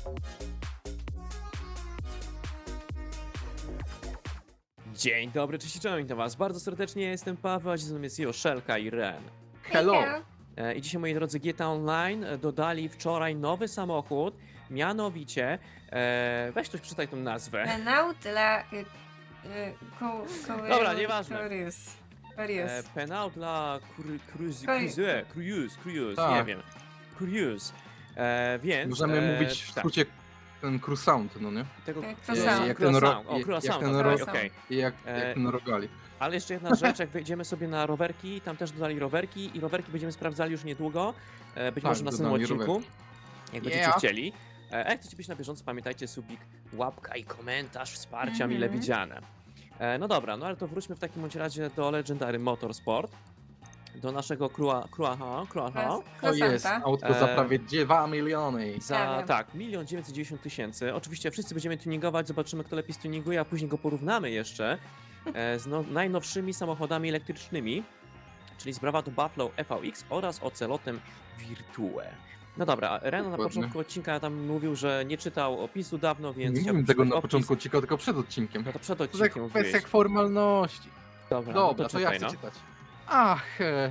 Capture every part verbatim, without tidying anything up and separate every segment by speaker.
Speaker 1: Dzień dobry, cześć, cześć, witam was bardzo serdecznie, ja jestem Paweł, a dzisiaj jest Joszelka i Ren.
Speaker 2: Hello.
Speaker 1: E, I dzisiaj, moi drodzy, G T A Online e, dodali wczoraj nowy samochód, mianowicie, e, weź ktoś przeczytaj tą nazwę.
Speaker 2: Renault dla... Y, y, ko, ko,
Speaker 1: Dobra, nieważne.
Speaker 2: Curious.
Speaker 1: E,
Speaker 2: Curious.
Speaker 1: Penał dla Cruise, Cruise,
Speaker 2: Cruise.
Speaker 1: Cruise, Cruise,
Speaker 3: Tak.
Speaker 1: nie wiem, Cruise, e, więc...
Speaker 3: Możemy
Speaker 1: e,
Speaker 3: mówić w
Speaker 1: tak,
Speaker 3: skrócie ten Crusound, no nie?
Speaker 1: tego,
Speaker 2: Jak
Speaker 1: e,
Speaker 2: croissant.
Speaker 3: Jak ten ro-
Speaker 1: croissant, o,
Speaker 3: jak-
Speaker 1: croissant,
Speaker 3: jak ten
Speaker 1: okej,
Speaker 3: ro-
Speaker 1: okej.
Speaker 3: I jak,
Speaker 1: E,
Speaker 3: jak ten rogali.
Speaker 1: Ale jeszcze jedna rzecz, jak wejdziemy sobie na rowerki, tam też dodali rowerki i rowerki będziemy sprawdzali już niedługo, e, być
Speaker 3: Tak,
Speaker 1: może na następnym
Speaker 3: dodali
Speaker 1: odcinku,
Speaker 3: rowerki.
Speaker 1: jak będziecie
Speaker 3: Yeah.
Speaker 1: chcieli. E, a jak chcecie być na bieżąco, pamiętajcie, subik, łapka i komentarz, wsparcia
Speaker 2: Mhm.
Speaker 1: mile widziane. E, no dobra, no ale to wróćmy w takim bądź razie do Legendary Motorsport, do naszego Crua, Cruaha, Cruaha.
Speaker 3: To jest
Speaker 2: Croissanta.
Speaker 3: autko
Speaker 1: E,
Speaker 3: za prawie dwa miliony.
Speaker 1: Za,
Speaker 2: Ja wiem.
Speaker 1: tak, milion dziewięćset dziewięćdziesiąt tysięcy. Oczywiście wszyscy będziemy tuningować, zobaczymy kto lepiej stuninguje, a później go porównamy jeszcze e, z no, najnowszymi samochodami elektrycznymi, czyli z Bravado Buffalo F V X oraz Ocelotem Virtue. No dobra, Reno na
Speaker 3: Dokładnie.
Speaker 1: początku odcinka tam mówił, że nie czytał opisu dawno, więc...
Speaker 3: Nie
Speaker 1: chciałbym
Speaker 3: mówiłem tego
Speaker 1: przeczytać
Speaker 3: na
Speaker 1: opis.
Speaker 3: początku odcinka, tylko przed odcinkiem.
Speaker 1: No to przed
Speaker 3: To jest
Speaker 1: odcinkiem
Speaker 3: jak
Speaker 1: mówiłeś.
Speaker 3: kwestia formalności.
Speaker 1: Dobra,
Speaker 3: Dobra,
Speaker 1: no
Speaker 3: to ja
Speaker 1: czytaj,
Speaker 3: chcę
Speaker 1: no.
Speaker 3: czytać. Ach, e,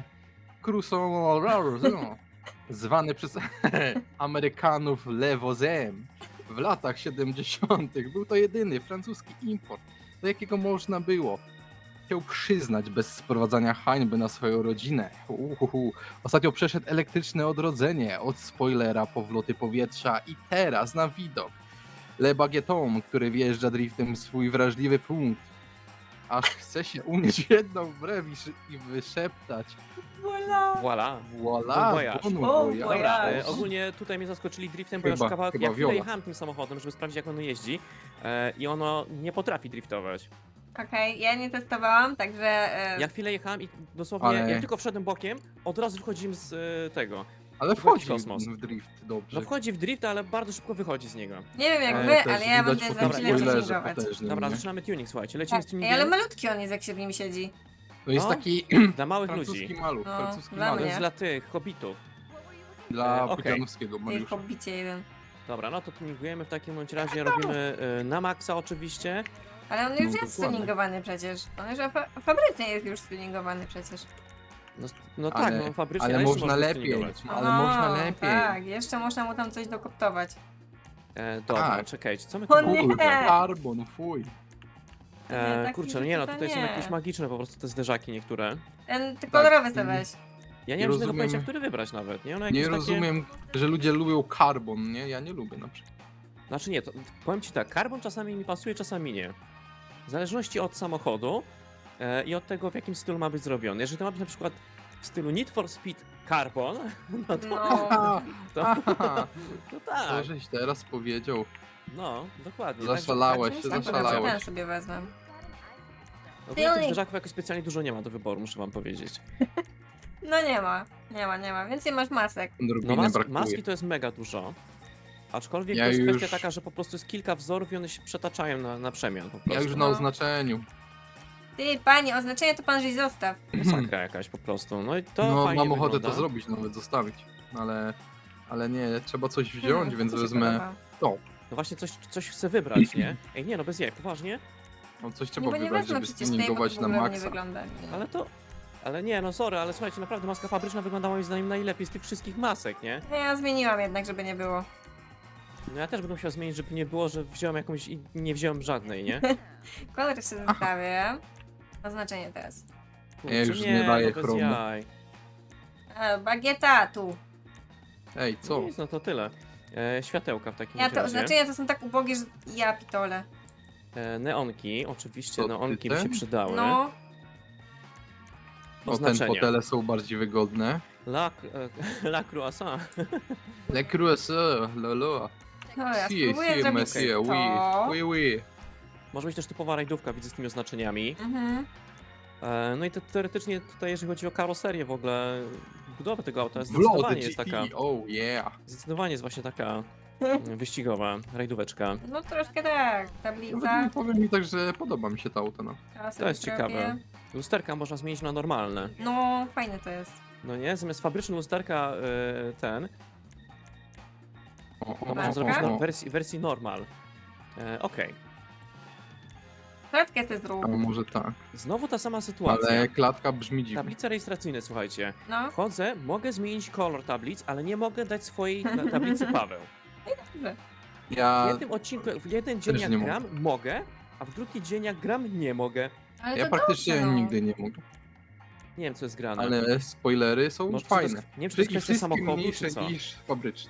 Speaker 3: Crusound, no, zwany przez Amerykanów lewozem w latach siedemdziesiątych był to jedyny francuski import, do jakiego można było się przyznać bez sprowadzania hańby na swoją rodzinę. Uhuhu. Ostatnio przeszedł elektryczne odrodzenie od spoilera po wloty powietrza i teraz na widok Le Baguetton, który wjeżdża driftem w swój wrażliwy punkt. Aż chce się unieść w jedną brew i, szy- i wyszeptać.
Speaker 2: Voila.
Speaker 1: Voilà.
Speaker 3: Voila,
Speaker 1: Bon voyage.
Speaker 3: bon
Speaker 2: Bon
Speaker 3: voyage.
Speaker 2: voyage.
Speaker 1: E, ogólnie tutaj mnie zaskoczyli driftem, bo ja
Speaker 3: Chyba-
Speaker 1: już kawałek,
Speaker 3: chyba
Speaker 1: ja chwilę
Speaker 3: Viola.
Speaker 1: jechałem tym samochodem, żeby sprawdzić jak ono jeździ e, i ono nie potrafi driftować.
Speaker 2: Okej, ja nie testowałam, także... E,
Speaker 1: Ja chwilę jechałem i dosłownie,
Speaker 3: Ale-
Speaker 1: jak tylko wszedłem bokiem, od razu wychodzimy z e, tego.
Speaker 3: Ale
Speaker 1: Wchodzi
Speaker 3: wchodzi
Speaker 1: kosmos.
Speaker 3: w drift dobrze.
Speaker 1: No wchodzi w drift, ale bardzo szybko wychodzi z niego.
Speaker 2: nie wiem jak
Speaker 1: e,
Speaker 2: wy,
Speaker 3: też
Speaker 2: ale ja
Speaker 3: widać
Speaker 2: będę
Speaker 3: po
Speaker 2: za
Speaker 3: tym
Speaker 2: chwilę
Speaker 3: spoilerze
Speaker 2: tuningować.
Speaker 3: potężnym,
Speaker 1: Dobra,
Speaker 3: nie?
Speaker 1: zaczynamy tuning, słuchajcie, lecimy
Speaker 2: Tak,
Speaker 1: z
Speaker 2: ej,
Speaker 1: tuningiem
Speaker 2: ale malutki on jest, jak się w nim siedzi.
Speaker 3: To jest
Speaker 1: No.
Speaker 3: taki
Speaker 1: dla małych
Speaker 3: francuski
Speaker 1: ludzi.
Speaker 3: maluch,
Speaker 2: No,
Speaker 3: francuski
Speaker 2: dla
Speaker 1: To
Speaker 3: maluch.
Speaker 2: mnie.
Speaker 1: jest dla tych, hobbitów.
Speaker 3: Dla
Speaker 1: E, okej.
Speaker 3: Pudzianowskiego
Speaker 2: Ty
Speaker 3: Mariusza.
Speaker 2: hobbicie jeden.
Speaker 1: Dobra, no to tuningujemy w takim bądź razie, robimy e, na maksa oczywiście.
Speaker 2: Ale on już
Speaker 3: No,
Speaker 2: jest
Speaker 3: dokładnie.
Speaker 2: stuningowany przecież. On już fa fabrycznie jest już stuningowany przecież.
Speaker 1: No, no
Speaker 3: Ale-
Speaker 1: tak, no fabrycznie,
Speaker 3: ale
Speaker 1: ale jeszcze
Speaker 3: można
Speaker 1: można
Speaker 3: lepiej.
Speaker 1: stuningować.
Speaker 3: Ale można lepiej.
Speaker 2: Tak, jeszcze można mu tam coś dokoptować.
Speaker 1: E, dobra,
Speaker 3: Tak.
Speaker 1: czekajcie, co my
Speaker 2: O
Speaker 1: tu
Speaker 2: nie!
Speaker 3: Kurde, carbon, fuj.
Speaker 2: Nie,
Speaker 1: E,
Speaker 2: taki
Speaker 1: kurczę, no nie no,
Speaker 2: to
Speaker 1: tutaj są
Speaker 2: nie.
Speaker 1: jakieś magiczne po prostu te zderzaki niektóre.
Speaker 2: Ten ty kolorowy sobie
Speaker 3: mm.
Speaker 2: weź.
Speaker 1: Ja nie,
Speaker 3: Nie
Speaker 1: mam żadnego
Speaker 3: rozumiem-
Speaker 1: pojęcia, który wybrać nawet, nie? One jakieś
Speaker 3: Nie
Speaker 1: takie...
Speaker 3: rozumiem, że ludzie lubią carbon, nie? Ja nie lubię na przykład.
Speaker 1: Znaczy nie, to, powiem ci tak, karbon czasami mi pasuje, czasami nie. W zależności od samochodu e, i od tego, w jakim stylu ma być zrobiony. Jeżeli to ma być na przykład w stylu Need for Speed Carbon, no to,
Speaker 2: No.
Speaker 3: Aha,
Speaker 1: to,
Speaker 3: aha,
Speaker 1: to
Speaker 3: to
Speaker 1: tak,
Speaker 3: żeś teraz powiedział.
Speaker 1: no, dokładnie.
Speaker 3: Zaszalałeś
Speaker 1: Także-
Speaker 3: się,
Speaker 1: także-
Speaker 2: Tak,
Speaker 3: zaszalałeś.
Speaker 2: dobra, ten sobie wezmę.
Speaker 1: Ogólnie tych zderzaków jakoś specjalnie dużo nie ma do wyboru, muszę wam powiedzieć.
Speaker 2: No nie ma, nie ma, nie ma. Więcej masz masek.
Speaker 1: No
Speaker 3: Odrobinę
Speaker 1: mas
Speaker 3: brakuje.
Speaker 1: maski to jest mega dużo. Aczkolwiek
Speaker 3: Ja
Speaker 1: to jest
Speaker 3: już-
Speaker 1: kwestia taka, że po prostu jest kilka wzorów i one się przetaczają na, na przemian po prostu.
Speaker 3: Ja już na
Speaker 2: No.
Speaker 3: oznaczeniu.
Speaker 2: Ty, panie, oznaczenie to pan żeś zostaw.
Speaker 1: Masakra jakaś po prostu. No i to
Speaker 3: No
Speaker 1: fajnie
Speaker 3: mam ochotę
Speaker 1: wygląda.
Speaker 3: to zrobić, nawet zostawić. Ale, ale nie, trzeba coś wziąć,
Speaker 2: Hmm,
Speaker 3: więc
Speaker 2: to się
Speaker 3: wezmę
Speaker 2: podoba.
Speaker 3: to.
Speaker 1: No właśnie coś, coś chcę wybrać, nie? Ej, nie no, bez jaj, poważnie?
Speaker 3: No coś
Speaker 2: Nie,
Speaker 3: trzeba
Speaker 2: bo nie
Speaker 3: wybrać,
Speaker 2: wezmę
Speaker 3: żeby
Speaker 2: przecież tej, bo to
Speaker 3: stuningować
Speaker 2: w
Speaker 3: na
Speaker 2: ogóle nie
Speaker 3: maksa.
Speaker 2: wygląda.
Speaker 1: Ale to... Ale nie, no sorry, ale słuchajcie, naprawdę maska fabryczna wygląda moim zdaniem najlepiej z tych wszystkich masek, nie?
Speaker 2: No ja zmieniłam jednak, żeby nie było.
Speaker 1: No ja też będę musiał zmienić, żeby nie było, że wziąłem jakąś i nie wziąłem żadnej, nie?
Speaker 2: Kolor jeszcze zostawię. Oznaczenie teraz.
Speaker 1: Kurczę,
Speaker 3: Ja już nie daję
Speaker 1: no bez
Speaker 3: chromu.
Speaker 1: jaj.
Speaker 2: E, bagieta tu.
Speaker 3: Ej, co?
Speaker 1: Nic, no to tyle. E, światełka w takim
Speaker 2: Ja to
Speaker 1: razie.
Speaker 2: oznaczenia to są tak ubogie, że ja pitole.
Speaker 1: E, neonki, oczywiście
Speaker 3: To
Speaker 1: neonki
Speaker 3: ty
Speaker 1: by się
Speaker 3: ten?
Speaker 1: przydały.
Speaker 2: No,
Speaker 3: O, ten
Speaker 1: Oznaczenia.
Speaker 3: fotele są bardziej wygodne.
Speaker 1: La, e, la croissant.
Speaker 3: Le croissant, lolo.
Speaker 2: no ja
Speaker 3: Si,
Speaker 2: spróbuję
Speaker 3: si,
Speaker 2: zrobić
Speaker 3: monsieur,
Speaker 2: to.
Speaker 3: oui, oui, oui.
Speaker 1: Może być też typowa rajdówka, widzę z tymi oznaczeniami.
Speaker 2: Mhm.
Speaker 1: E, no i to teoretycznie tutaj, jeżeli chodzi o karoserię w ogóle, budowę tego auta,
Speaker 3: Vlog
Speaker 1: zdecydowanie
Speaker 3: G
Speaker 1: jest
Speaker 3: T,
Speaker 1: taka,
Speaker 3: oh yeah.
Speaker 1: zdecydowanie jest właśnie taka mm, wyścigowa rajdóweczka.
Speaker 2: No troszkę tak,
Speaker 3: Ja
Speaker 2: tablica.
Speaker 3: powiem mi tak, że podoba mi się ta auto. No.
Speaker 2: Teraz
Speaker 1: To jest
Speaker 2: sobie
Speaker 1: ciekawe.
Speaker 2: zrobię.
Speaker 1: Lusterka można zmienić na normalne.
Speaker 2: No, fajne to jest.
Speaker 1: No nie? Zamiast fabrycznego lusterka e, ten,
Speaker 3: O, o,
Speaker 2: Dobra,
Speaker 1: Można zrobić
Speaker 2: Dobra.
Speaker 1: no, wersji, wersji normal. E, Okej.
Speaker 2: Klatkę chcę
Speaker 3: A
Speaker 2: zrób.
Speaker 3: może tak.
Speaker 1: Znowu ta sama sytuacja.
Speaker 3: Ale klatka brzmi dziwnie.
Speaker 1: Tablice rejestracyjne, słuchajcie.
Speaker 2: No,
Speaker 1: Wchodzę, mogę zmienić kolor tablic, ale nie mogę dać swojej na tablicy Paweł.
Speaker 2: dobrze.
Speaker 1: W
Speaker 3: Ja,
Speaker 1: jednym odcinku, w jeden dzień
Speaker 3: też
Speaker 1: jak
Speaker 3: nie
Speaker 1: gram, mogę, a w drugi dzień jak gram, nie mogę.
Speaker 2: Ale
Speaker 3: ja
Speaker 2: to
Speaker 3: praktycznie
Speaker 2: dobrze, no.
Speaker 3: nigdy nie mogę.
Speaker 1: Nie wiem, co jest grane.
Speaker 3: Ale spoilery są
Speaker 1: Może czy to jest-
Speaker 3: fajne.
Speaker 1: nie wiem, czy to jest
Speaker 3: I
Speaker 1: kwestia
Speaker 3: wszystkie
Speaker 1: samochodu,
Speaker 3: mniejsze
Speaker 1: czy co?
Speaker 3: niż fabryczne.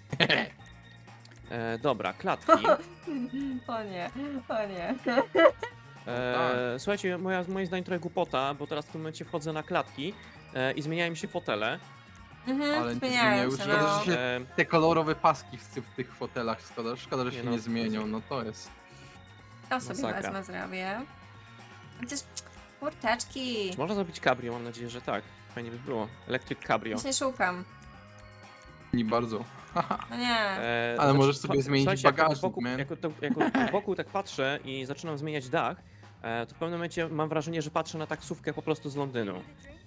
Speaker 1: E, dobra, klatki.
Speaker 2: O nie, o nie.
Speaker 1: E, słuchajcie, moja, moim zdaniem trochę głupota, bo teraz w tym momencie wchodzę na klatki e, i zmieniają mi się fotele.
Speaker 2: Mhm,
Speaker 3: Ale nie
Speaker 2: zmieniają
Speaker 3: zmieniają
Speaker 2: się,
Speaker 3: się,
Speaker 2: no.
Speaker 3: że się-
Speaker 1: E,
Speaker 3: Te kolorowe paski w, w tych fotelach, szkoda, szkoda że
Speaker 1: Nie
Speaker 3: się
Speaker 1: no,
Speaker 3: nie zmienią, no to jest...
Speaker 2: To sobie
Speaker 1: Masakra.
Speaker 2: wezmę, zrobię. Chociaż kurczaczki.
Speaker 1: czy można zrobić cabrio? Mam nadzieję, że tak. Fajnie by było. Electric cabrio.
Speaker 2: Właśnie szukam.
Speaker 3: Nie bardzo.
Speaker 2: No nie.
Speaker 1: E,
Speaker 3: Ale możesz sobie
Speaker 1: to-
Speaker 3: zmienić
Speaker 1: słuchajcie, jak tak
Speaker 3: bagażnik,
Speaker 1: wokół,
Speaker 3: man.
Speaker 1: jak, to, jak wokół tak patrzę i zaczynam zmieniać dach, e, to w pewnym momencie mam wrażenie, że patrzę na taksówkę po prostu z Londynu.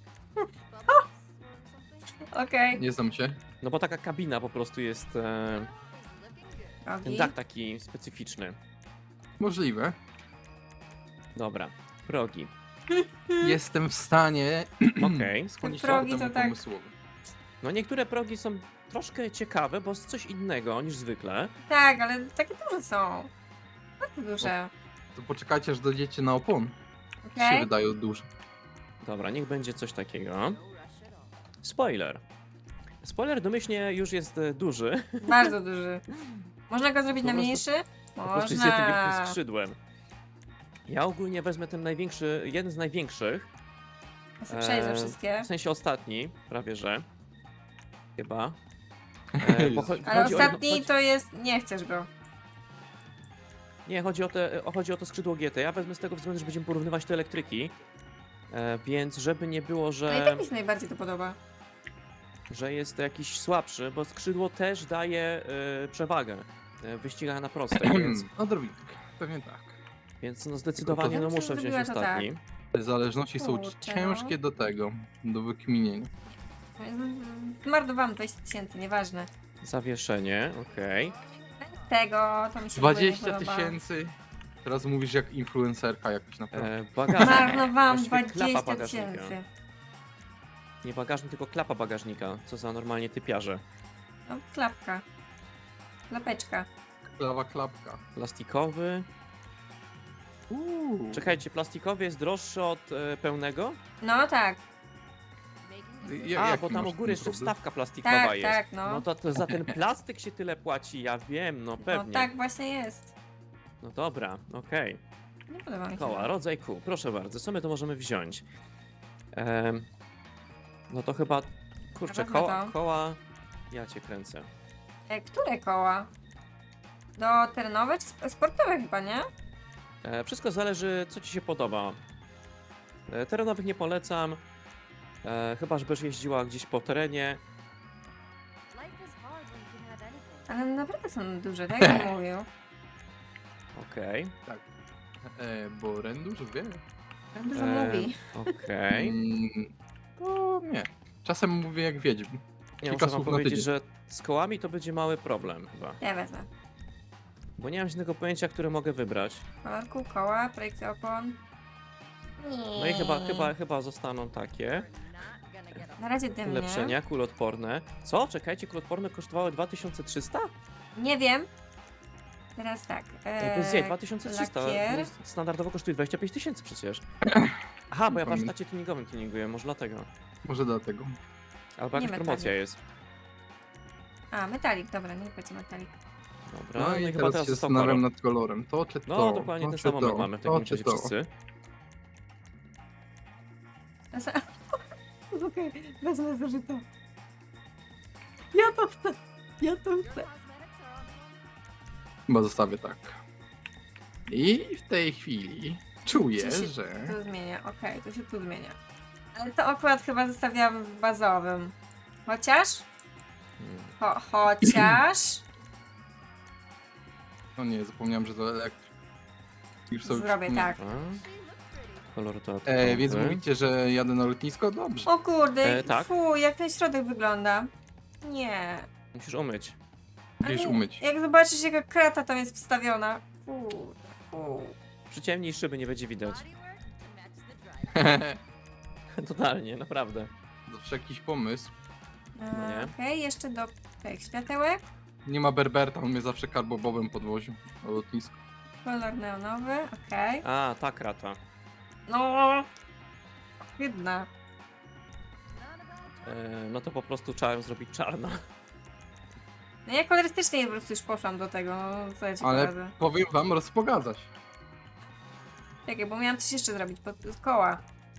Speaker 2: Okej.
Speaker 3: Nie znam się.
Speaker 1: No bo taka kabina po prostu jest, e, ten
Speaker 2: Rogi.
Speaker 1: dach taki specyficzny.
Speaker 3: Możliwe.
Speaker 1: Dobra, progi.
Speaker 3: Jestem w stanie
Speaker 1: Okej.
Speaker 3: skłonić się
Speaker 2: Progi
Speaker 3: ku
Speaker 2: to
Speaker 3: temu
Speaker 2: tak.
Speaker 3: pomysłowi.
Speaker 1: No niektóre progi są troszkę ciekawe, bo jest coś innego niż zwykle.
Speaker 2: Tak, ale takie duże są. Bardzo duże.
Speaker 3: To poczekajcie, aż dojdziecie na opon. Się
Speaker 2: Okej?
Speaker 3: wydają duże.
Speaker 1: Dobra, niech będzie coś takiego. Spoiler. Spoiler domyślnie już jest e, duży.
Speaker 2: Bardzo duży. Można go zrobić
Speaker 1: Po
Speaker 2: na
Speaker 1: prostu-
Speaker 2: mniejszy?
Speaker 1: Po prostu jest jednym wielkim
Speaker 2: Można.
Speaker 1: skrzydłem. Ja ogólnie wezmę ten największy, jeden z największych.
Speaker 2: Ja sobie przejrzę
Speaker 1: e,
Speaker 2: wszystkie.
Speaker 1: W sensie ostatni, prawie że. Chyba. E, bo cho-
Speaker 2: Ale
Speaker 1: chodzi o jedno-
Speaker 2: ostatni
Speaker 1: chodzi-
Speaker 2: to jest... Nie chcesz go.
Speaker 1: Nie, chodzi o, te, o- chodzi o to skrzydło G T. Ja wezmę z tego względu, że będziemy porównywać te elektryki. E, więc żeby nie było,
Speaker 2: No i
Speaker 1: że,
Speaker 2: tak mi się najbardziej to podoba.
Speaker 1: że jest jakiś słabszy, bo skrzydło też daje e, przewagę e, w wyścigach na prostej, więc,
Speaker 3: Odrobinkę, pewnie tak.
Speaker 1: więc no zdecydowanie
Speaker 2: Ja
Speaker 1: no
Speaker 2: bym
Speaker 1: muszę wziąć
Speaker 2: zrobiła to
Speaker 1: ostatni.
Speaker 3: Te zależności są
Speaker 2: Kurczę, no.
Speaker 3: ciężkie do tego, do wykminienia.
Speaker 2: Zmarnowałam dwadzieścia tysięcy, nieważne.
Speaker 1: Zawieszenie, okej.
Speaker 2: Tego to mi się w ogóle nie
Speaker 3: dwadzieścia
Speaker 2: podoba.
Speaker 3: tysięcy. Teraz mówisz jak influencerka jakaś naprawdę.
Speaker 1: E, Bagażnik.
Speaker 2: Marnowałam
Speaker 1: Właściwie klapa
Speaker 2: dwadzieścia
Speaker 1: bagażnika.
Speaker 2: tysięcy.
Speaker 1: Nie bagażnik, tylko klapa bagażnika. Co za normalnie typiarze.
Speaker 2: No, klapka. Klapeczka.
Speaker 3: Klawa klapka.
Speaker 1: Plastikowy.
Speaker 3: Uuu.
Speaker 1: Czekajcie, plastikowy jest droższy od e, pełnego?
Speaker 2: No tak,
Speaker 3: Ja-
Speaker 1: A,
Speaker 3: jaki
Speaker 1: bo tam
Speaker 3: masz
Speaker 1: u góry
Speaker 3: z
Speaker 1: jeszcze
Speaker 3: tym problem?
Speaker 1: wstawka plastikowa
Speaker 2: tak,
Speaker 1: jest.
Speaker 2: tak, no.
Speaker 1: No to, to za ten plastyk się tyle płaci, ja wiem, no
Speaker 2: No
Speaker 1: pewnie.
Speaker 2: tak właśnie jest.
Speaker 1: No dobra, okej.
Speaker 2: Nie podoba mi się.
Speaker 1: Koła, rodzaj kół, proszę bardzo, co my to możemy wziąć? Em, no to chyba, kurczę,
Speaker 2: wezmę
Speaker 1: koła,
Speaker 2: to.
Speaker 1: koła, ja cię kręcę.
Speaker 2: E, które koła? Do terenowe czy sp- sportowe chyba, nie?
Speaker 1: E, wszystko zależy, co ci się podoba. E, terenowych nie polecam, e, chyba żebyś jeździła gdzieś po terenie.
Speaker 2: Ale naprawdę są duże, tak jak mówił.
Speaker 1: Okej,
Speaker 3: E, bo Ren dużo wie.
Speaker 2: Tak dużo
Speaker 1: E,
Speaker 2: mówi.
Speaker 1: okej.
Speaker 3: Mm, to nie. Czasem mówię jak wiedźm.
Speaker 1: Nie,
Speaker 3: kilka
Speaker 1: muszę wam
Speaker 3: słów na
Speaker 1: powiedzieć,
Speaker 3: tydzień.
Speaker 1: że z kołami to będzie mały problem chyba.
Speaker 2: Ja wezmę.
Speaker 1: Bo nie mam żadnego pojęcia, które mogę wybrać.
Speaker 2: Kolorku, koła, projekcja opon.
Speaker 1: No i chyba, chyba, chyba zostaną takie.
Speaker 2: Na razie dymnie.
Speaker 1: Ulepszenia, kuloodporne. Co? Czekajcie, kuloodporne kosztowały dwa tysiące trzysta?
Speaker 2: Nie wiem. Teraz tak.
Speaker 1: E,
Speaker 2: E,
Speaker 1: Bez jej, dwa tysiące trzysta.
Speaker 2: lakier.
Speaker 1: No, standardowo kosztuje dwadzieścia pięć tysięcy przecież. Aha, bo ja w
Speaker 3: Pamię-
Speaker 1: warsztacie tuningowym tuninguję, może dlatego.
Speaker 3: Może dlatego.
Speaker 1: Albo
Speaker 2: Nie
Speaker 1: jakaś
Speaker 2: metalik.
Speaker 1: promocja jest.
Speaker 2: A, metalik, dobra, nie będzie metalik.
Speaker 1: Dobra,
Speaker 3: No,
Speaker 1: no,
Speaker 3: i
Speaker 1: i chyba
Speaker 3: teraz
Speaker 1: teraz
Speaker 3: się
Speaker 1: został
Speaker 3: zastanawiam
Speaker 1: kolor.
Speaker 3: nad kolorem. To czy to?
Speaker 1: No, dokładnie
Speaker 3: to,
Speaker 1: ten
Speaker 3: czy
Speaker 1: sam moment
Speaker 3: to,
Speaker 1: mamy w
Speaker 3: to,
Speaker 1: takim
Speaker 3: czy
Speaker 1: razie
Speaker 3: to.
Speaker 1: wszyscy.
Speaker 2: Zasa- Okej, wezmę zużyto. Ja to chcę. Ja to chcę.
Speaker 3: Chyba zostawię tak. I w tej chwili czuję,
Speaker 2: Czy się
Speaker 3: że...
Speaker 2: Tu zmienia, okej, to się tu zmienia. Ale to akurat chyba zostawiałam w bazowym. Chociaż?
Speaker 1: Hmm.
Speaker 2: Cho chociaż?
Speaker 3: No nie, zapomniałem, że to elektryk. Już sobie
Speaker 2: Zrobię
Speaker 3: przypomniałem.
Speaker 2: tak.
Speaker 1: A, kolor to.
Speaker 3: E, więc mówicie, że jadę na lotnisko? Dobrze.
Speaker 2: O kurde,
Speaker 1: E, tak.
Speaker 2: fu, jak ten środek wygląda. Nie.
Speaker 1: Musisz umyć.
Speaker 3: Musisz
Speaker 2: Ale
Speaker 3: umyć.
Speaker 2: Jak zobaczysz, jaka krata tam jest wstawiona. Fu, fu.
Speaker 1: Przyciemnij szyby, nie będzie widać. Totalnie, naprawdę.
Speaker 3: Zawsze jakiś pomysł.
Speaker 1: No nie.
Speaker 2: E, Okej, jeszcze do tych światełek.
Speaker 3: Nie ma Berberta, on mnie zawsze karbobowem podwoził na lotnisku.
Speaker 2: Kolor neonowy, okej.
Speaker 1: A, ta krata.
Speaker 2: No. Jedna.
Speaker 1: E, no to po prostu trzeba zrobić czarno.
Speaker 2: No ja kolorystycznie po prostu już poszłam do tego, no co ja ci
Speaker 3: Ale
Speaker 2: poradzę.
Speaker 3: powiem wam, rozpogadzać.
Speaker 2: Czekaj, bo miałam coś jeszcze zrobić pod z koła.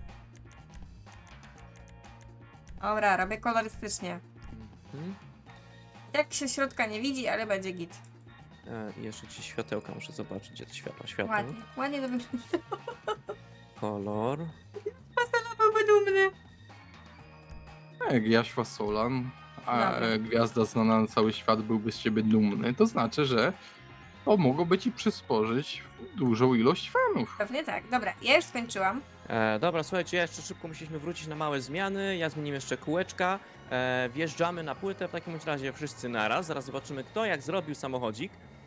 Speaker 2: Dobra, robię kolorystycznie.
Speaker 1: Mhm.
Speaker 2: Jak się środka nie widzi, ale będzie git.
Speaker 1: E, i jeszcze ci światełka muszę zobaczyć, gdzie te światła. Światło.
Speaker 2: Ładnie, ładnie to wygląda.
Speaker 1: Kolor.
Speaker 2: Byłby dumny.
Speaker 3: Jak Jaśwa Solan, a
Speaker 2: Dobra.
Speaker 3: e, gwiazda znana na cały świat byłby z ciebie dumny, to znaczy, że to mogłoby ci przysporzyć dużą ilość fanów.
Speaker 2: Pewnie tak. Dobra, ja już skończyłam.
Speaker 1: E, dobra, słuchajcie, jeszcze szybko musieliśmy wrócić na małe zmiany. Ja zmieniłem jeszcze kółeczka. E, wjeżdżamy na płytę w takim bądź razie wszyscy naraz. Zaraz zobaczymy, kto jak zrobił samochodzik.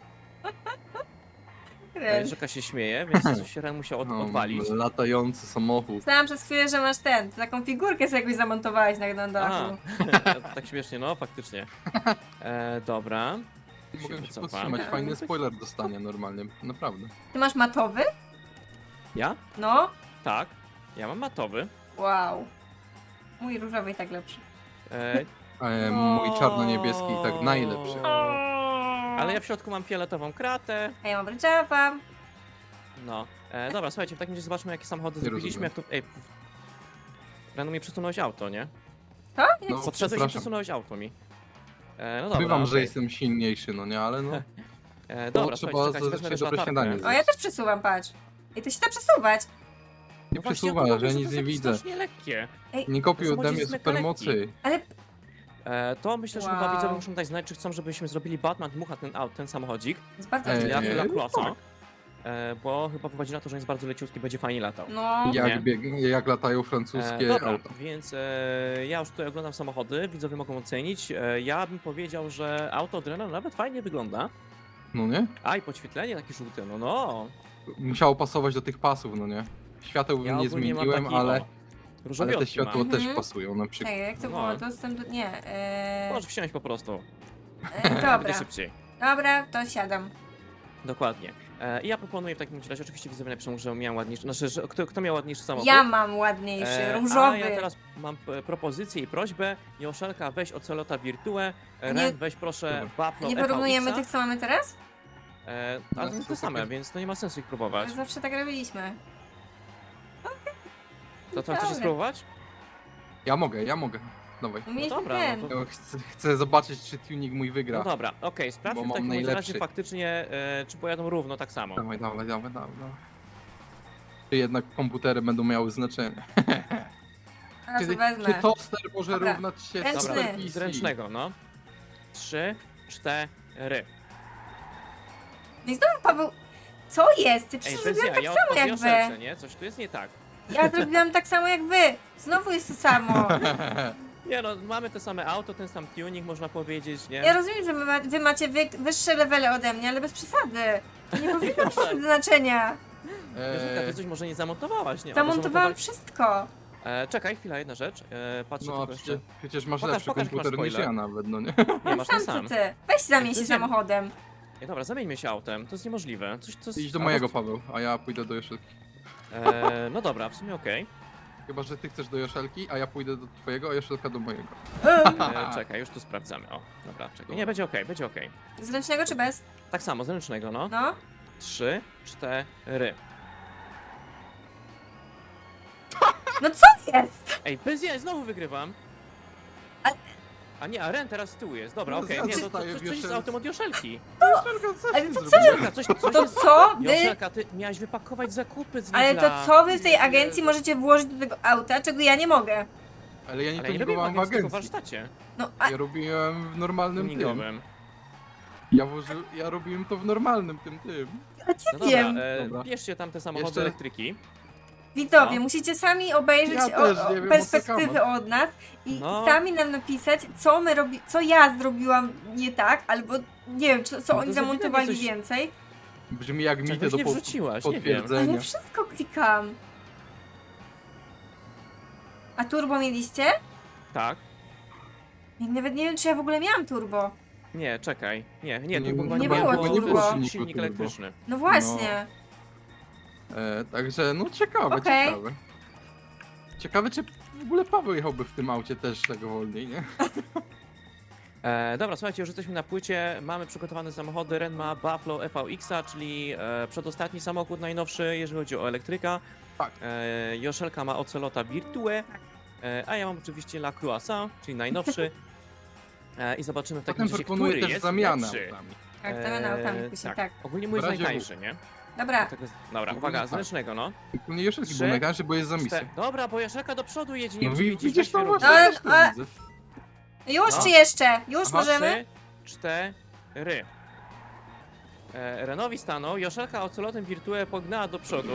Speaker 1: E, Rzeka się śmieje, więc coś się Ren musiał od,
Speaker 3: No,
Speaker 1: odwalić.
Speaker 3: latający samochód.
Speaker 2: Myślałam przez chwilę, że masz ten, taką figurkę sobie jakoś zamontowałeś na, na
Speaker 1: A,
Speaker 2: dachu.
Speaker 1: tak śmiesznie, no faktycznie. E, dobra.
Speaker 3: Mogę się
Speaker 1: wycofam.
Speaker 3: powstrzymać, fajny spoiler dostanie normalnie, naprawdę.
Speaker 2: Ty masz matowy?
Speaker 1: Ja?
Speaker 2: No.
Speaker 1: Tak. Ja mam matowy.
Speaker 2: Wow. Mój różowy i tak lepszy.
Speaker 1: E,
Speaker 3: E, mój czarno-niebieski i tak najlepszy.
Speaker 1: ale ja w środku mam fioletową kratę.
Speaker 2: A ja mam ryczapa.
Speaker 1: No. E, dobra, słuchajcie, w takim razie zobaczmy, jakie samochody
Speaker 3: Nie
Speaker 1: zrobiliśmy. Jak
Speaker 3: rozumiem.
Speaker 1: to. Ej. Rano mi przesunąłeś auto, nie?
Speaker 2: To? Nie.
Speaker 3: No,
Speaker 1: Podszedłeś i
Speaker 3: przepraszam.
Speaker 1: przesunąłeś auto mi. E, no dobra.
Speaker 3: Bywam, że
Speaker 1: okej.
Speaker 3: jestem silniejszy, no nie, ale no.
Speaker 1: E,
Speaker 3: Bo
Speaker 1: dobra,
Speaker 3: trzeba
Speaker 1: słuchajcie, czekajcie,
Speaker 3: za-
Speaker 1: wezmę
Speaker 3: się
Speaker 1: też
Speaker 3: dobre
Speaker 1: latarkę.
Speaker 3: śniadanie
Speaker 2: O, ja też przesuwam, patrz. I to się da przesuwać.
Speaker 3: Nie
Speaker 1: No właśnie,
Speaker 3: przesuwasz,
Speaker 1: ja to
Speaker 3: ja
Speaker 1: mówię,
Speaker 3: nic
Speaker 1: że
Speaker 3: nie
Speaker 1: to są
Speaker 3: widzę.
Speaker 1: strasznie lekkie.
Speaker 3: Nie kopiuj
Speaker 1: To
Speaker 3: ode mnie
Speaker 1: samochód jest
Speaker 3: supermocy.
Speaker 2: Ale
Speaker 1: E, to myślę, że chyba
Speaker 2: Wow.
Speaker 1: widzowie muszą dać znać, czy chcą, żebyśmy zrobili Batman Dmucha ten, aut, ten samochodzik.
Speaker 2: jest bardzo
Speaker 3: Ej,
Speaker 1: Czyli
Speaker 2: ładny.
Speaker 1: jak
Speaker 3: Eee,
Speaker 1: dla klasa.
Speaker 3: tak.
Speaker 1: E, bo chyba wychodzi na to, że jest bardzo leciutki, będzie fajnie latał.
Speaker 2: No.
Speaker 1: Nie.
Speaker 3: Jak, bieg, jak latają
Speaker 1: E,
Speaker 3: francuskie
Speaker 1: dobra,
Speaker 3: auta.
Speaker 1: więc e, ja już tutaj oglądam samochody, widzowie mogą ocenić. E, ja bym powiedział, że auto Drena nawet fajnie wygląda.
Speaker 3: No nie?
Speaker 1: A i podświetlenie takie żółte, no no.
Speaker 3: Musiało pasować do tych pasów, no nie? Świateł
Speaker 1: Ja
Speaker 3: nie
Speaker 1: ogólnie mam
Speaker 3: zmieniłem,
Speaker 1: taki,
Speaker 3: ale,
Speaker 1: o,
Speaker 3: ale
Speaker 1: różowiotki
Speaker 3: te światło
Speaker 1: mam.
Speaker 3: też
Speaker 2: Mhm.
Speaker 3: pasują na przykład.
Speaker 2: Czekaj, jak to
Speaker 1: No.
Speaker 2: było? Dostęp do... Nie. Eee,
Speaker 1: Możesz wsiąść po prostu,
Speaker 2: e,
Speaker 1: będzie
Speaker 2: dobra.
Speaker 1: szybciej.
Speaker 2: Dobra, to siadam.
Speaker 1: Dokładnie. E, I ja proponuję w takim razie, oczywiście widzowie napiszą, że miałem ładniejszy, znaczy, że kto, kto miał ładniejszy samochód.
Speaker 2: Ja mam ładniejszy,
Speaker 1: E,
Speaker 2: różowy.
Speaker 1: A ja teraz mam p- propozycję i prośbę. Joszelka, weź Ocelota Virtue. E,
Speaker 2: Nie-
Speaker 1: Ren, weź proszę Buffalo
Speaker 2: Nie porównujemy
Speaker 1: F V X-a.
Speaker 2: tych, co mamy teraz?
Speaker 1: E, ale to
Speaker 3: No,
Speaker 1: są te same,
Speaker 3: super.
Speaker 1: więc to nie ma sensu ich próbować.
Speaker 2: Zawsze tak robiliśmy.
Speaker 1: To co, chcecie
Speaker 2: Dobra.
Speaker 1: spróbować?
Speaker 3: Ja mogę, ja mogę. Dawaj.
Speaker 2: Mieliśmy
Speaker 1: dobra,
Speaker 2: ten.
Speaker 1: no to-
Speaker 3: Ja chcę, chcę zobaczyć, czy tuning mój wygra.
Speaker 1: No dobra, okej, sprawdźmy
Speaker 3: Bo
Speaker 1: w
Speaker 3: mam
Speaker 1: takim bądź razie
Speaker 3: najlepszy.
Speaker 1: faktycznie, e, czy pojadą równo tak samo.
Speaker 3: Dawaj, dawaj, dawaj, dawaj. dawaj. Czy jednak komputery będą miały znaczenie?
Speaker 2: Teraz
Speaker 3: Czy,
Speaker 2: wezmę.
Speaker 3: czy toster może
Speaker 2: Dobra.
Speaker 3: równać się
Speaker 2: Ręczny.
Speaker 1: Dobra,
Speaker 3: Super P C?
Speaker 1: z ręcznego, no. Trzy, cztery.
Speaker 2: No i znowu Paweł, co jest? Ty
Speaker 1: Ej,
Speaker 2: przecież
Speaker 1: bez
Speaker 2: zrobiłam
Speaker 1: ja,
Speaker 2: tak
Speaker 1: ja
Speaker 2: samo
Speaker 1: od
Speaker 2: jak
Speaker 1: Joszelce,
Speaker 2: wy.
Speaker 1: nie? Coś tu jest nie tak.
Speaker 2: Ja zrobiłam tak samo jak wy. Znowu jest to samo.
Speaker 1: Nie no, mamy te same auto, ten sam tuning, można powiedzieć, nie?
Speaker 2: Ja rozumiem, że wy, ma, wy macie wy, wyższe levele ode mnie, ale bez przesady. To nie powinno mieć
Speaker 1: Proszę.
Speaker 2: znaczenia.
Speaker 1: Joszelka,
Speaker 3: Eee,
Speaker 1: ty coś może nie zamontowałaś, nie? Albo
Speaker 2: Zamontowałam
Speaker 1: zamontowałeś-
Speaker 2: wszystko.
Speaker 1: E, czekaj, chwila, jedna rzecz. E, patrzę
Speaker 3: no,
Speaker 1: tylko
Speaker 3: przecież,
Speaker 1: jeszcze.
Speaker 3: przecież masz
Speaker 1: Pokaż,
Speaker 3: lepszy
Speaker 1: pokaż, jaki masz
Speaker 3: komputer niż
Speaker 1: spoiler.
Speaker 3: ja nawet, no nie?
Speaker 1: Nie, masz ten
Speaker 2: Sam
Speaker 1: sam.
Speaker 2: co ty. Weź zamień się
Speaker 1: Ty
Speaker 2: samochodem.
Speaker 1: Nie, dobra, zamieńmy się autem, to jest niemożliwe. Coś, to jest...
Speaker 3: Idź do
Speaker 1: albo-
Speaker 3: mojego, Paweł, a ja pójdę do Joszelki.
Speaker 1: E, no dobra, w sumie okej.
Speaker 3: Chyba, że ty chcesz do Joszelki, a ja pójdę do twojego, a Joszelka do mojego.
Speaker 1: E, czekaj, już tu sprawdzamy. O, dobra, czekaj. Nie, będzie okej, będzie okej.
Speaker 2: Z ręcznego czy bez?
Speaker 1: Tak samo, z ręcznego, no.
Speaker 2: No.
Speaker 1: Trzy, cztery.
Speaker 2: No co jest?
Speaker 1: Ej, bez jaj, znowu wygrywam.
Speaker 2: A-
Speaker 1: A nie, a Ren teraz z tyłu jest. Dobra,
Speaker 3: No,
Speaker 1: okej,
Speaker 3: ja
Speaker 1: nie, to, to,
Speaker 3: zostaję
Speaker 1: coś,
Speaker 3: w
Speaker 1: coś jest z
Speaker 3: Joszelce.
Speaker 1: autem od Joszelki.
Speaker 3: Joszelka, co
Speaker 2: Ale
Speaker 3: ty
Speaker 2: to co?
Speaker 3: zrobiłaś?
Speaker 1: Joszelka, coś, coś
Speaker 2: To
Speaker 1: jest...
Speaker 2: co wy...
Speaker 1: Joszelka, ty miałaś wypakować zakupy z
Speaker 2: Ale
Speaker 1: Lidla.
Speaker 2: to co wy w tej agencji możecie włożyć do tego auta, czego ja nie mogę?
Speaker 3: Ale ja nie
Speaker 1: Ale nie robiłem
Speaker 3: tuningowałem w
Speaker 1: agencji, tylko w
Speaker 3: agencji.
Speaker 1: warsztacie
Speaker 2: No, a
Speaker 3: Ja robiłem w normalnym tym.
Speaker 1: tuningowym.
Speaker 3: Ja, włoży... ja robiłem to w normalnym tym tym.
Speaker 2: ja
Speaker 1: No
Speaker 2: nie wiem.
Speaker 1: dobra, e,
Speaker 3: Dobra.
Speaker 1: bierzcie tam te samochody
Speaker 3: Jeszcze-
Speaker 1: elektryki.
Speaker 2: Widzowie,
Speaker 1: No.
Speaker 2: musicie sami obejrzeć
Speaker 3: Ja
Speaker 2: o,
Speaker 3: też
Speaker 2: o
Speaker 3: nie wiem, o co
Speaker 2: perspektywy
Speaker 3: kaman.
Speaker 2: od nas i
Speaker 1: No.
Speaker 2: sami nam napisać, co my robi, co ja zrobiłam nie tak, albo nie wiem, co, co
Speaker 1: No to
Speaker 2: oni
Speaker 1: za
Speaker 2: zamontowali
Speaker 1: coś-
Speaker 2: więcej.
Speaker 3: Brzmi jak mity
Speaker 1: Czegoś
Speaker 3: do
Speaker 1: nie
Speaker 3: po-
Speaker 1: wrzuciłaś, nie wiem.
Speaker 3: potwierdzenia.
Speaker 2: Ale wszystko klikam. A turbo mieliście?
Speaker 1: Tak.
Speaker 2: Ja nawet nie wiem, czy ja w ogóle miałam turbo.
Speaker 1: Nie, czekaj. Nie, nie,
Speaker 3: Nie-
Speaker 1: to chyba
Speaker 2: nie
Speaker 1: nie
Speaker 2: było
Speaker 1: było,
Speaker 2: turbo.
Speaker 1: to był
Speaker 3: silniku
Speaker 1: silnik
Speaker 3: turbo.
Speaker 1: elektryczny.
Speaker 2: No właśnie.
Speaker 3: E, także no ciekawe,
Speaker 2: Okej.
Speaker 3: ciekawe. Ciekawe, czy w ogóle Paweł jechałby w tym aucie też tego wolniej, nie?
Speaker 1: E, dobra, słuchajcie, już jesteśmy na płycie, mamy przygotowane samochody, Ren ma Buffalo F V X-a, czyli e, przedostatni samochód najnowszy, jeżeli chodzi o elektryka.
Speaker 3: Tak.
Speaker 1: E, Joszelka ma Ocelota Virtue, e, a ja mam oczywiście La Croissant, czyli najnowszy. E, I zobaczymy w takim
Speaker 3: Potem
Speaker 1: razie,
Speaker 3: proponuję
Speaker 1: który
Speaker 3: też
Speaker 1: jest
Speaker 3: zamianę
Speaker 1: lepszy.
Speaker 3: autami.
Speaker 2: Tak, zamiana autami
Speaker 1: E,
Speaker 2: później, tak.
Speaker 1: Ogólnie mój
Speaker 3: W
Speaker 1: jest
Speaker 3: razie
Speaker 1: najtańszy, nie?
Speaker 2: Dobra,
Speaker 1: Tego, dobra,
Speaker 3: Ogólnie
Speaker 1: uwaga,
Speaker 3: tak.
Speaker 1: z ręcznego, no.
Speaker 3: Nie Joszelki
Speaker 1: Trzy,
Speaker 3: był najtańszy, bo jest za
Speaker 1: Czte-
Speaker 3: misję.
Speaker 1: Dobra, bo Joszelka do przodu jedzie, nie
Speaker 3: No
Speaker 1: wiem, czy
Speaker 3: wi-
Speaker 1: widzisz,
Speaker 3: widzisz
Speaker 1: weź
Speaker 3: to
Speaker 1: się
Speaker 3: właśnie,
Speaker 2: Ale-
Speaker 3: ja też to
Speaker 2: ale-
Speaker 3: widzę.
Speaker 2: już
Speaker 1: No.
Speaker 2: czy jeszcze? Już
Speaker 3: Aha.
Speaker 2: możemy?
Speaker 1: Trzy, cztery. E, Renowi stanął, Joszelka Ocelotem Virtue pognała do przodu.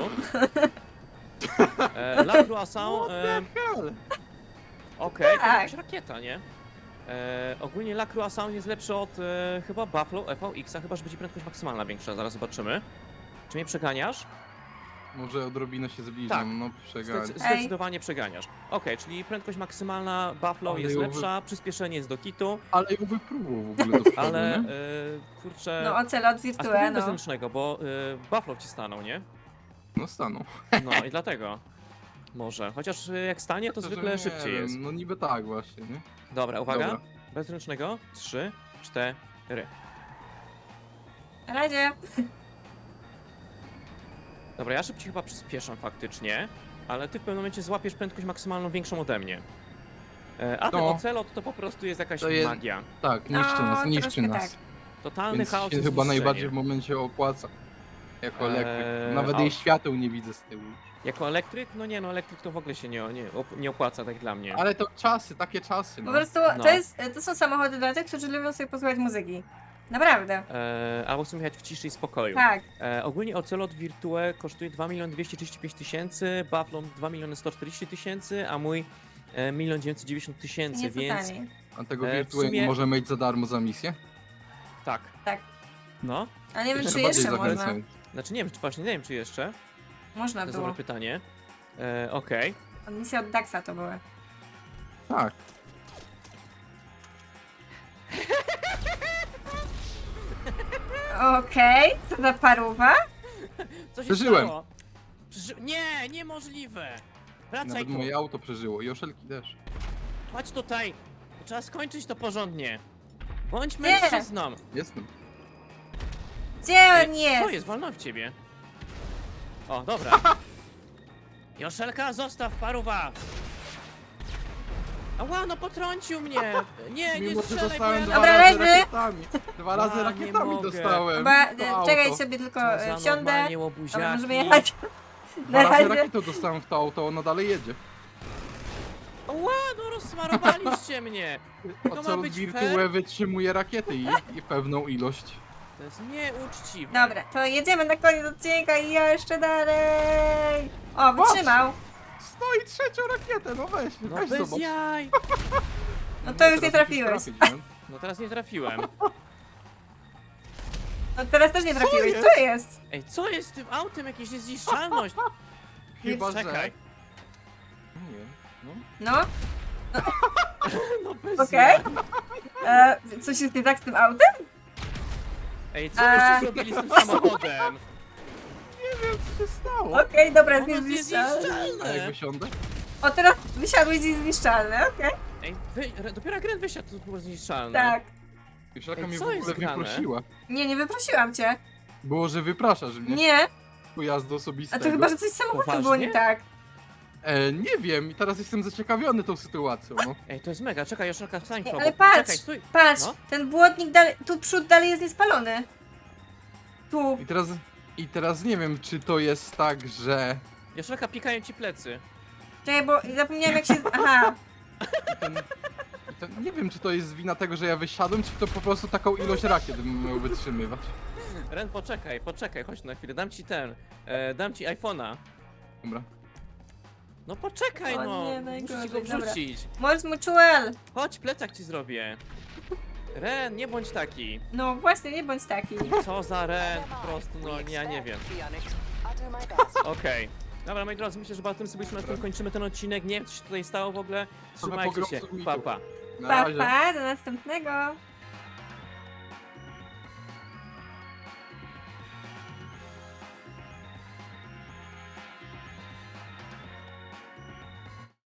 Speaker 1: E, La Croissant, e,
Speaker 3: Hell.
Speaker 1: okej, to
Speaker 2: Tak.
Speaker 1: jakaś rakieta, nie? E, ogólnie La Croissant jest lepszy od e, chyba Buffalo F V X-a, chyba że będzie prędkość maksymalna większa, zaraz zobaczymy. Czy mnie przeganiasz?
Speaker 3: Może odrobinę się zbliżam,
Speaker 1: Tak.
Speaker 3: no przegadź.
Speaker 1: Zdec- zdecydowanie przeganiasz. Okej, czyli prędkość maksymalna Buffalo
Speaker 3: Ale
Speaker 1: jest
Speaker 3: ją wy-
Speaker 1: lepsza, przyspieszenie jest do kitu,
Speaker 3: Ale ją wypróbował w ogóle do przodu,
Speaker 1: ale
Speaker 3: nie?
Speaker 1: e, kurczę...
Speaker 2: No ocelot
Speaker 1: A
Speaker 2: Virtue,
Speaker 1: spróbujmy bez
Speaker 2: no.
Speaker 1: ręcznego, bo y, Buffalo ci stanął, nie?
Speaker 3: No stanął.
Speaker 1: No i dlatego. Może. Chociaż y, jak stanie, to
Speaker 3: Szczerze
Speaker 1: zwykle
Speaker 3: nie
Speaker 1: szybciej
Speaker 3: wiem,
Speaker 1: jest.
Speaker 3: No niby tak właśnie, nie?
Speaker 1: Dobra, uwaga.
Speaker 3: Dobra.
Speaker 1: Bez ręcznego. Trzy, cztery.
Speaker 2: Na razie.
Speaker 1: Dobra, ja szybciej chyba przyspieszam faktycznie, ale ty w pewnym momencie złapiesz prędkość maksymalną większą ode mnie. E, a ten
Speaker 3: No.
Speaker 1: ocelot to po prostu jest jakaś
Speaker 3: To jest-
Speaker 1: magia.
Speaker 3: Tak, niszczy
Speaker 2: No,
Speaker 3: nas, niszczy
Speaker 2: troszkę
Speaker 3: nas.
Speaker 2: tak.
Speaker 1: Totalny
Speaker 3: Więc
Speaker 1: chaos
Speaker 3: się
Speaker 1: i
Speaker 3: chyba
Speaker 1: zniszczenie.
Speaker 3: najbardziej w momencie opłaca. Jako elektryk.
Speaker 1: Eee,
Speaker 3: Nawet
Speaker 1: a-
Speaker 3: jej świateł nie widzę z tyłu.
Speaker 1: Jako elektryk? No nie, no elektryk to w ogóle się nie, nie, op- nie opłaca tak dla mnie.
Speaker 3: Ale to czasy, takie czasy,
Speaker 2: Po
Speaker 3: no.
Speaker 2: prostu
Speaker 1: No.
Speaker 2: to, jest, to są samochody dla tych, którzy lubią sobie posłuchać muzyki. Naprawdę.
Speaker 1: E, albo chcę jechać w ciszy i spokoju.
Speaker 2: Tak.
Speaker 1: E, ogólnie Ocelot Virtue kosztuje dwa miliony dwieście trzydzieści pięć tysięcy, Buffalo dwa miliony sto czterdzieści tysięcy, a mój e, milion dziewięćset dziewięćdziesiąt tysięcy,
Speaker 2: Nieco
Speaker 1: więc
Speaker 2: taniej.
Speaker 3: A tego
Speaker 1: e, w
Speaker 3: Virtue
Speaker 1: sumie-
Speaker 3: może mieć za darmo za misję?
Speaker 1: tak.
Speaker 2: Tak.
Speaker 1: No,
Speaker 2: A nie wiem,
Speaker 3: Jeszcze
Speaker 2: czy
Speaker 3: bardziej
Speaker 2: jeszcze można.
Speaker 3: zachęcam.
Speaker 1: znaczy nie wiem, czy właśnie nie wiem, czy jeszcze. To
Speaker 2: Można
Speaker 1: jest
Speaker 2: było.
Speaker 1: dobre pytanie. E, Okej.
Speaker 2: Misja od Daxa to były.
Speaker 3: Tak.
Speaker 2: Okej, co za paruwa?
Speaker 1: Co się
Speaker 3: Przeżyłem.
Speaker 1: stało? Przeży... Nie, niemożliwe! Wracaj
Speaker 3: Nawet
Speaker 1: tu,
Speaker 3: moje auto przeżyło. Joszelki też.
Speaker 1: chodź tutaj. Trzeba skończyć to porządnie. Bądź
Speaker 2: Nie.
Speaker 1: mężczyzną.
Speaker 3: Jestem.
Speaker 2: Gdzie
Speaker 1: Ej,
Speaker 2: on
Speaker 1: Co
Speaker 2: jest?
Speaker 1: jest? Wolno w ciebie. O, dobra. Joszelka, zostaw paruwa! Ała, no potrącił mnie! Nie, nie
Speaker 3: Mimo, że
Speaker 1: strzelaj, bo
Speaker 3: dostałem
Speaker 1: ja...
Speaker 3: dwa
Speaker 2: Dobra,
Speaker 3: razy
Speaker 2: leży.
Speaker 3: rakietami. Dwa razy
Speaker 1: Ja nie
Speaker 3: rakietami
Speaker 1: mogę.
Speaker 3: dostałem.
Speaker 2: Chyba,
Speaker 3: To
Speaker 2: e,
Speaker 3: auto.
Speaker 2: czekaj sobie tylko
Speaker 1: Co
Speaker 2: e,
Speaker 1: za
Speaker 2: wsiądę.
Speaker 1: normalnie
Speaker 2: Dobra,
Speaker 1: łobuziaki.
Speaker 2: możemy jechać.
Speaker 3: Dwa
Speaker 2: Na
Speaker 3: razy
Speaker 2: razie.
Speaker 3: rakietę dostałem w to auto, ono dalej jedzie.
Speaker 1: Ła, no rozsmarowaliście mnie! To ma
Speaker 3: Ocelot
Speaker 1: być
Speaker 3: Virtue
Speaker 1: fair?
Speaker 3: wytrzymuje rakiety i, i pewną ilość.
Speaker 1: To jest nieuczciwe.
Speaker 2: Dobra, to jedziemy na koniec odcinka i ja jeszcze dalej. O, wytrzymał.
Speaker 3: Stoi trzecią rakietę, no weź,
Speaker 1: No
Speaker 3: weź
Speaker 1: bez
Speaker 3: zobacz.
Speaker 1: jaj!
Speaker 2: No to już
Speaker 3: teraz
Speaker 2: nie
Speaker 3: musisz
Speaker 2: trafiłeś.
Speaker 3: trafić, nie?
Speaker 1: No teraz nie trafiłem.
Speaker 2: No teraz też nie
Speaker 3: Co
Speaker 2: trafiłeś.
Speaker 3: jest?
Speaker 2: Co jest?
Speaker 1: Ej, co jest z tym autem? Jakaś niezniszczalność.
Speaker 3: Chyba, że...
Speaker 1: Czekaj.
Speaker 3: Nie wiem, no.
Speaker 2: No,
Speaker 1: No bez
Speaker 2: okej.
Speaker 1: jaj.
Speaker 2: E, coś jest nie tak z tym autem?
Speaker 1: Ej, co
Speaker 2: A.
Speaker 1: jeszcze zrobili z tym samochodem?
Speaker 3: Nie wiem, co się stało.
Speaker 2: Okej, dobra, jest
Speaker 1: Ono jest
Speaker 2: niezniszczalny.
Speaker 3: A jak
Speaker 1: niezniszczalne!
Speaker 3: wysiądę?
Speaker 2: O, teraz wysiadłeś i zniszczalny, okej.
Speaker 1: Ej, wy, re- dopiero jak Ren wysiadł, to było zniszczalne.
Speaker 2: Tak.
Speaker 3: Joszelka
Speaker 1: Ej,
Speaker 3: mnie w
Speaker 1: co jest
Speaker 3: ogóle
Speaker 1: grane?
Speaker 3: wyprosiła.
Speaker 2: Nie, nie wyprosiłam cię.
Speaker 3: Było, że wypraszasz mnie.
Speaker 2: Nie,
Speaker 3: Pojazdu
Speaker 2: a
Speaker 3: osobistego.
Speaker 2: to chyba, że coś z samochodem było
Speaker 1: Poważnie?
Speaker 2: nie tak.
Speaker 3: E, nie wiem i teraz jestem zaciekawiony tą sytuacją, no.
Speaker 1: Ej, to jest mega, czekaj, Joszelka, stań
Speaker 2: Ej,
Speaker 1: probo.
Speaker 2: ale patrz,
Speaker 1: Czekaj, stój.
Speaker 2: patrz,
Speaker 1: No.
Speaker 2: ten błotnik dalej, tu przód dalej jest niespalony. Tu.
Speaker 3: I teraz, i teraz nie wiem, czy to jest tak, że
Speaker 1: Joszelka, pikają ci plecy.
Speaker 2: Czekaj, bo zapomniałem jak się... Aha.
Speaker 3: ten, i to, nie wiem, czy to jest wina tego, że ja wysiadłem, czy to po prostu taką ilość rakiet bym miał wytrzymywać.
Speaker 1: Ren, poczekaj, poczekaj, chodź na chwilę, dam ci ten, e, dam ci iPhone'a.
Speaker 3: Dobra.
Speaker 1: No poczekaj,
Speaker 2: O
Speaker 1: no!
Speaker 2: nie,
Speaker 1: Muszę ci
Speaker 2: najgorzej,
Speaker 1: go
Speaker 2: dobra.
Speaker 1: wrzucić.
Speaker 2: Mors Mutuel!
Speaker 1: Chodź, plecak ci zrobię. Ren, nie bądź taki.
Speaker 2: No właśnie, nie bądź taki.
Speaker 1: Co za Ren, po prostu, no ja nie wiem. Okej. Dobra, moi drodzy, myślę, że chyba tym sobie na tym kończymy ten odcinek. Nie wiem, co się tutaj stało w ogóle. Trzymajcie się.
Speaker 3: pogromców
Speaker 1: Pa,
Speaker 3: mitów.
Speaker 1: pa.
Speaker 3: Na
Speaker 2: Pa,
Speaker 3: razie.
Speaker 2: pa, do następnego.